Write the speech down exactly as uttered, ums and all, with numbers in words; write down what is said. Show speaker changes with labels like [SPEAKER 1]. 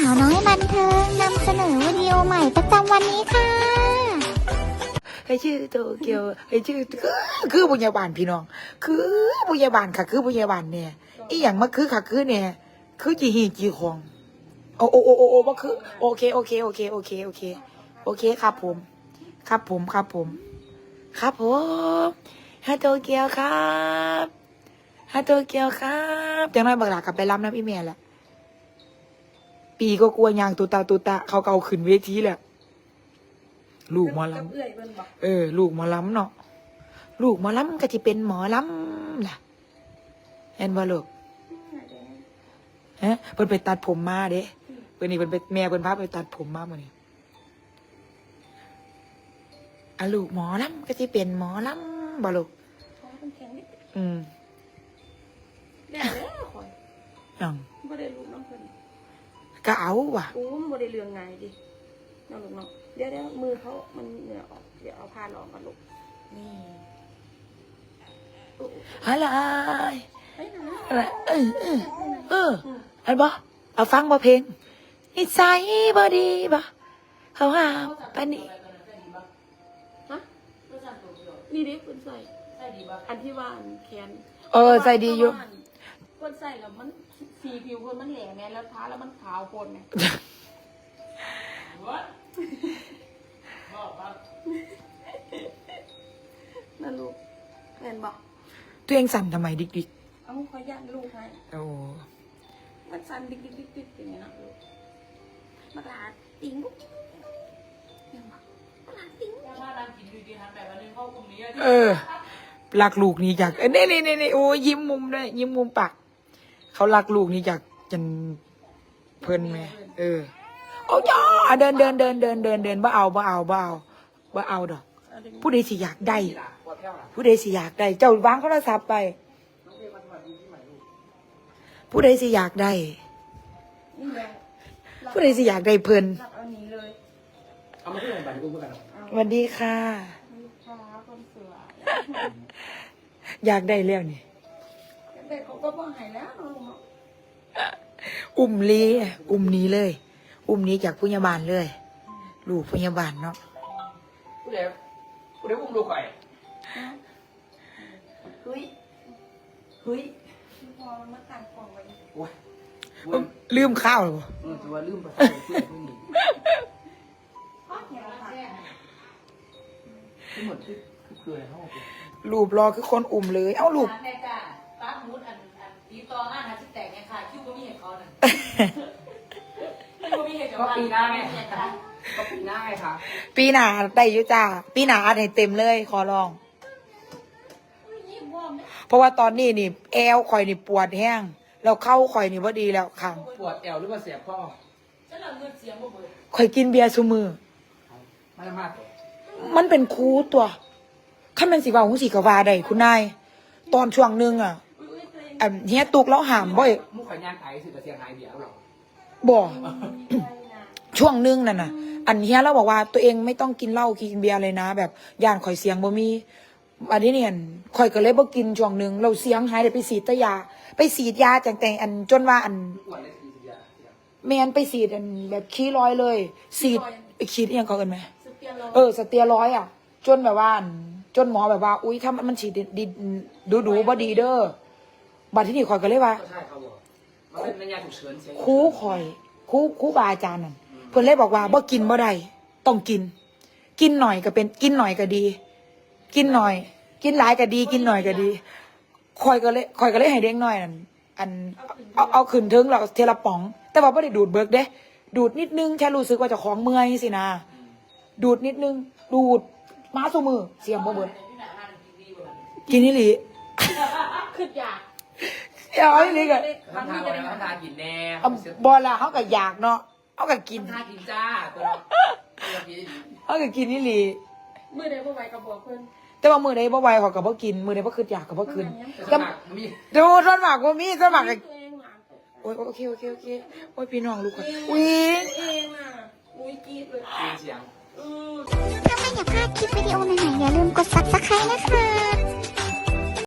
[SPEAKER 1] าวน้อยบันเทิงนำเสนอวิดีโอใหม่ประจำวันนี้ค่ะ
[SPEAKER 2] ให้ชื่อโตเกียวให้ชื่อคือคือบุญญาบาลพี่น้องคือบุญญาบาลค่ะคือบุญญาบาลเนี่ยอีหยังมาคือค่ะคือเนี่ยคือจีฮีจีคองโอโอโอโอโอมาคือโอเคโอเคโอเคโอเคโอเคโอเคครับผมครับผมครับผมครับผมฮาโตเกียวครับฮาโตเกียวครับจังน้อยบักหลากลับไปรับน้ำอีเมลแหละปีก็กลัวยางตุตาตุตาเขาเกาขึ้นเวทีแหละลูกหมอลำเออลูกหมอลำเนาะลูกหมอลำก็จะเป็นหมอลำล่ะเห็นบ่ลูกฮะเพิ่นไปตัดผมมาเด้เพิ่นนี่เพิ่นไปแม่เพิ่นพาไปตัดผมมามื้อนี้อ่ะลูกหมอลำก็จะเป็นหมอลำบ่ลูกอืม
[SPEAKER 3] แล้วคอย
[SPEAKER 2] ยัง
[SPEAKER 3] บ่ได้ลูกน้องเพิ่น
[SPEAKER 2] ก็เอาว่ะ
[SPEAKER 3] อู้มันบ่ได้เรื่องไงดิน้องลูกน้องเดี๋ยวเดี๋ยวมือเขามันเหงื่อออกเดี๋ยวเอาผ้าหลอกมาลูกนี่
[SPEAKER 2] อะไร
[SPEAKER 3] เฮ้ยนะ
[SPEAKER 2] อะไรเออเออเอออันบ่เอาฟังบ่เพลงนิสัยบ่ดีบ่เขาหาปานนี้
[SPEAKER 3] ฮะนี่ดิเพิ่นใส่อันที่ว่าอันแขน
[SPEAKER 2] เออใส่ดีอยู่
[SPEAKER 3] เพิ่นใส่แล้วมันสีผิวเพิ่นมันแหลมแม่แล้วทาแล้วมันขาวโพลนไงนั่นลูกแม่นบอก
[SPEAKER 2] ตัวเองสั่นทำไมดิกดิก
[SPEAKER 3] เอาขอยันลูกให้
[SPEAKER 2] โอ้
[SPEAKER 3] มันสั่นดิกดิกดิกดิกอย่างเงี้ยนะลูกมาลาติ๋งยังบอกมาลาติ๋ง
[SPEAKER 2] เออรักลูกนี่อยากเอ้ยนี่นี่นี่โอ้ยิ้มมุมด้วยยิ้มมุมปากเขารักลูกนี่อยากจนเพลินไหมเออเอาจ้าเดินเดินเดินเดินเดินเดินบ่เอาบ่เอาบ่เอาบ่เอาดอกผู้ใดสิอยากได้ผู้ใดสิอยากได้เจ้าวางโทรศัพท์ไปผู้ใดสิอยากได้ผู้ใดสิอยากได้เพลิน
[SPEAKER 3] เอาหนีเลย
[SPEAKER 4] เอามาที่ไหนบ้านกูเมื่อกัน
[SPEAKER 2] สวัสดีค่ะ
[SPEAKER 3] คนสวย
[SPEAKER 2] อยากได้แล้วนี่
[SPEAKER 3] เด็กเขาก็บ่หายแล้วน้อง
[SPEAKER 2] อุ้มลีอุ้มนี้เลย อุ้มนี้จากผู้ยาบาลเลยลูกผู้ยาบาลเนาะ
[SPEAKER 4] กูเดี๋ยวกูเดี๋ยวอุ้มดูก่อย
[SPEAKER 3] เฮ้ยเฮ้ยพอมันมาตัดกล่องไว้
[SPEAKER 4] โอ้ย
[SPEAKER 2] ลืมข้าวหรอ
[SPEAKER 4] เออตัวลืมไปเพื่อนเพื่อนนี่
[SPEAKER 3] พ่อเขียนอะไร
[SPEAKER 4] ทั้งหมดคือคืออะไรเขาบอก
[SPEAKER 2] ลูกรอคือคนอุ้มเลยเอ้าลูก
[SPEAKER 5] แม่จ้าป้ามูดอันอันตีตองอ่ะนะที่แตกเนี่ยค่ะคิวก็มีเหตุเขาน่ะคิวก็มีเหตุกับ
[SPEAKER 4] ก็
[SPEAKER 5] ว่า
[SPEAKER 4] ปีหน้าไงก็ปีหน้าไงค่ะ
[SPEAKER 2] ปีหนาได้ยุจ้าปีหนาอัดให้เต็มเลยขอลองเพราะว่าตอนนี้นี่แอวข่อยนี่ปวดแห้งแล้วเข้าข่อยนี่ว่าดีแล้วขัง
[SPEAKER 4] ปวดแอวหรือว่าเสียบข้อ
[SPEAKER 5] ฉันเอาเงินเสียงบ่เบิด
[SPEAKER 2] ข่อยกินเบียร์ซูมือ
[SPEAKER 4] ไม่มาก
[SPEAKER 2] มันเป็นคูตัวข้ามันสีว่าหูสีกวาได้คุณนายตอนช่วงนึงอ่ะอันเฮียตุกแล้วหามบ่อย
[SPEAKER 4] มุขขยันไถสื่อเสียงหายเบียร์หรอ
[SPEAKER 2] บ่ช่วงนึงนั่นน่ะอันเฮียเราบอกว่าตัวเองไม่ต้องกินเหล้ากินเบียร์เลยนะแบบย่านข่อยเสียงบ่มีอันนี้เนี่ยข่อยก็เลยบ่กินช่วงนึงเราเสียงหายได้ไปสีดยาไปสีดยาจังแต่อันจนว่าอันแมนไปสีดอันแบบขี้ร้อยเลยสีดไปขีดยังเขาเอิ้นไหมเออสเตียร้อยอ่ะจนแบบว่าจนหมอแบบว่าอุ้ยถ้ามันฉีดดีดูดูบ่ดีเด้อบัดที่นี่ข่อยก็เลยว่า
[SPEAKER 4] ใช่เขาบอกมันเป็นระยะฉุกเฉินเสีย
[SPEAKER 2] ครูข่อยครูครูบาอาจารย์นั่นเพิ่นเลยบอกว่าบ่กินบ่ได้ต้องกิน กินหน่อยก็เป็นกินหน่อยก็ดี กินหน่อย กินหลายก็ดี กินหน่อยก็ดีข่อยก็เลยข่อยก็เลยให้เด็กน้อยนั่นอันเอาเอาขึ้นถึงแล้วเทละป๋อง แต่ว่าบ่ได้ดูดเบิกเด้ดูดนิดนึงแค่รู้สึกว่าเจ้าของเมื่อยสินะดูดนิดนึงดูดมาสู่มือเสียงบ่เบิดกินนี่หลี
[SPEAKER 3] คืออยาก
[SPEAKER 2] เอาอีหลีก็
[SPEAKER 4] ทำทานแล้วทำทานกินแน่
[SPEAKER 2] บ่ล่ะเฮาก็อยากเนาะเฮาก็กิน
[SPEAKER 4] ทานกินจ้าตัว
[SPEAKER 2] เฮาก็กินนี่หลี
[SPEAKER 3] มื้อใดบ่ไหวก็บอกเพิ่น
[SPEAKER 2] แต่ว่ามื้อใดบ่ไหวเขาก็บ่กินมื้อใดบ่คิดอยากก็บ่กิน
[SPEAKER 4] แต่
[SPEAKER 2] ดูส่วนมากบ่มีส่วนมากก็โอ้ยโอเคโอเคโอเคโอ้ยพี่น้องลูกค่ะอุ๊ย
[SPEAKER 3] เองน่ะอุ๊ยกรี๊ดเลย
[SPEAKER 4] เสียง
[SPEAKER 1] ถ้าไม่อยากพลาดคลิปวิดีโอใหม่ๆอย่าลืมกด ซับสไครบ์ นะคะ